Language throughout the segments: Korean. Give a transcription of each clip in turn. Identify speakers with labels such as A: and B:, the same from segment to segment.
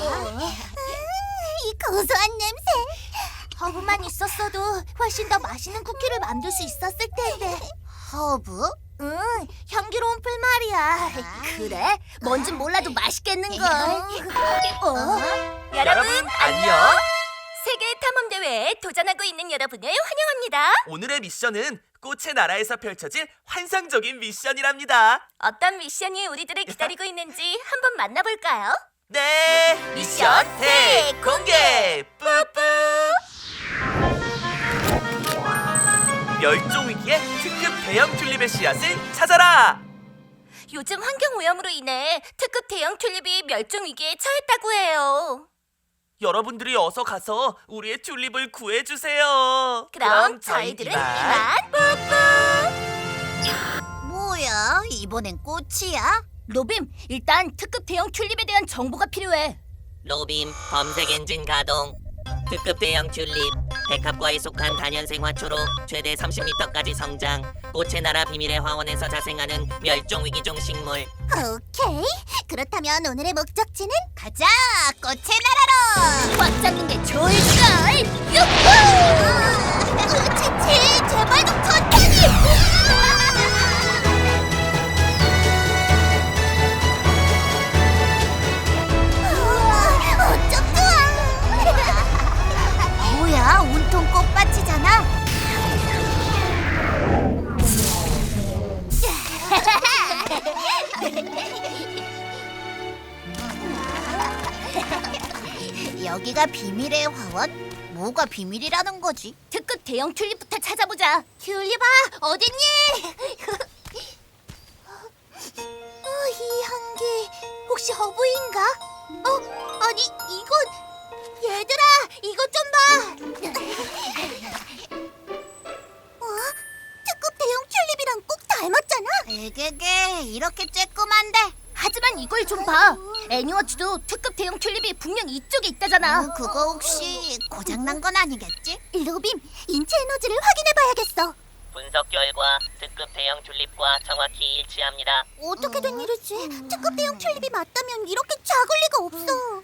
A: 이 고소한 냄새. 허브만 있었어도 훨씬 더 맛있는 쿠키를 만들 수 있었을 텐데. 허브? 응, 향기로운 풀 말이야. 그래? 뭔진 몰라도 맛있겠는걸.
B: 여러분 안녕.
C: 세계 탐험 대회에 도전하고 있는 여러분을 환영합니다.
B: 오늘의 미션은 꽃의 나라에서 펼쳐질 환상적인 미션이랍니다.
C: 어떤 미션이 우리들을 기다리고 있는지 한번 만나볼까요?
B: 네, 미션 대공개. 뿌뿌. 멸종 위기의 특급 대형 튤립의 씨앗을 찾아라.
C: 요즘 환경 오염으로 인해 특급 대형 튤립이 멸종 위기에 처했다고 해요.
B: 여러분들이 어서 가서 우리의 튤립을 구해주세요.
C: 그럼 저희들은 이만 뿌뿌.
A: 뭐야? 이번엔 꽃이야?
C: 로빔, 일단 특급 대형 튤립에 대한 정보가 필요해.
D: 로빔 검색 엔진 가동. 특급 대형 튤립 백합과에 속한 다년생 화초로 최대 30m까지 성장. 꽃의 나라 비밀의 화원에서 자생하는 멸종 위기종 식물.
A: 오케이. 그렇다면 오늘의 목적지는 가자. 꽃의 나라로.
C: 꽉 잡는 게 좋을걸. 유후!
A: 치치, 제발 좀 천천히. 어쩜 좋아. 뭐야, 온통 꽃밭이잖아. 여기가 비밀의 화원? 뭐가 비밀이라는 거지?
C: 특급 대형 튤립부터 찾아보자.
A: 튤립아, 어딨니? 이 향기 혹시 허브인가? 아니 이건 얘들아, 이것 좀 봐. 특급 대형 튤립이랑 꼭 닮았잖아. 에게게, 이렇게 쬐끔한데.
C: 하지만 이걸 좀 봐. 애니워치도 특급 대형 튤립이 분명 이쪽에 있다잖아.
A: 그거 혹시 고장난 건 아니겠지? 로빔, 인체 에너지를 확인해봐야겠어.
D: 분석 결과 특급 대형 튤립과 정확히 일치합니다.
A: 어떻게 된 일이지? 특급 대형 튤립이 맞다면 이렇게 작을 리가 없어.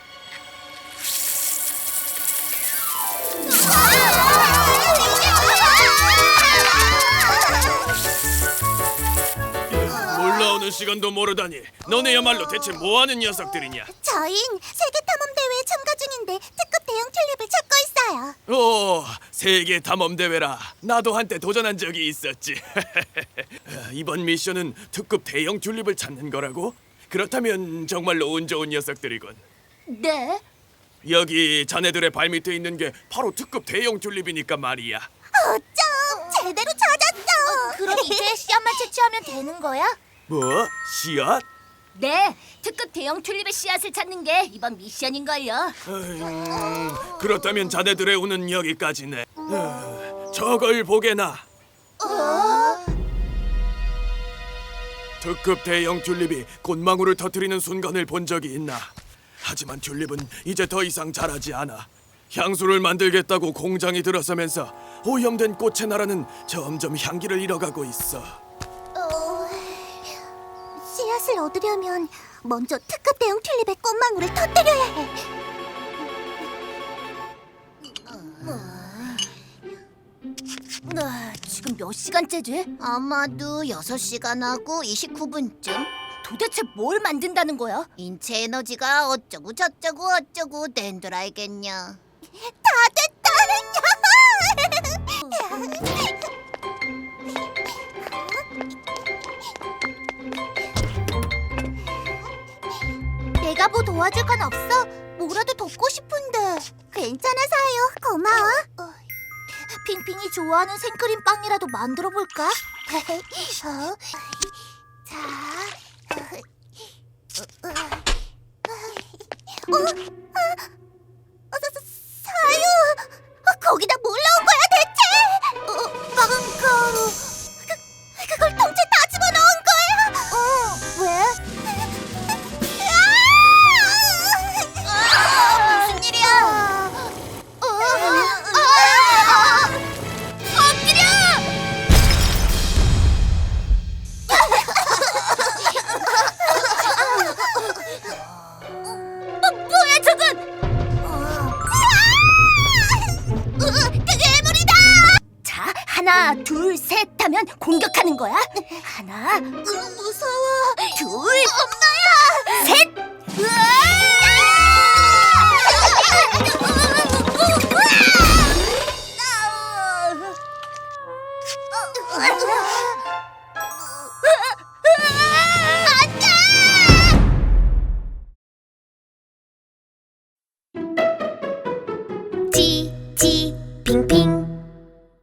E: 올라오는 시간도 모르다니 너네야말로 대체 뭐하는 녀석들이냐?
A: 저흰 세계탐험대회에 참가 중인데 특급 대형 튤립을 찾고 있어요.
E: 오, 세계 탐험 대회라. 나도 한때 도전한 적이 있었지. 이번 미션은 특급 대형 튤립을 찾는 거라고? 그렇다면 정말로 운 좋은 녀석들이군.
C: 네?
E: 여기 자네들의 발밑에 있는 게 바로 특급 대형 튤립이니까 말이야.
A: 어쩜 제대로 찾았어.
C: 그럼 이제 씨앗만 채취하면 되는 거야?
E: 뭐? 씨앗?
C: 네, 특급 대형 튤립의 씨앗을 찾는 게 이번 미션인걸요.
E: 그렇다면 자네들의 운은 여기까지네. 저걸 보게나. 특급 대형 튤립이 꽃망울을 터뜨리는 순간을 본 적이 있나? 하지만 튤립은 이제 더 이상 자라지 않아. 향수를 만들겠다고 공장이 들어서면서 오염된 꽃의 나라는 점점 향기를 잃어가고 있어.
A: 씨앗을 얻으려면 먼저 특급 대형 튤립의 꽃망울을 터뜨려야 해.
C: 지금 몇 시간째지?
A: 아마도 6시간 하고 29분쯤.
C: 도대체 뭘 만든다는 거야?
A: 인체 에너지가 어쩌고 저쩌고 어쩌고 된 줄 알겠냐. 다 됐다. 내가 뭐 도와줄 건 없어? 뭐라도 돕고 싶은데. 괜찮아, 사요. 고마워. 핑핑이 좋아하는 생크림 빵이라도 만들어 볼까? 자. 사유, 거기다 뭘 넣은 거야 대체? 빵 가루. 그걸 통째 다 집어넣은 거야? 왜? 무슨 일이야? 엎드려! 뭐야? 하나, 둘, 셋 하면 공격하는 거야. 하나, 무서워. 둘, 엄마야. 셋.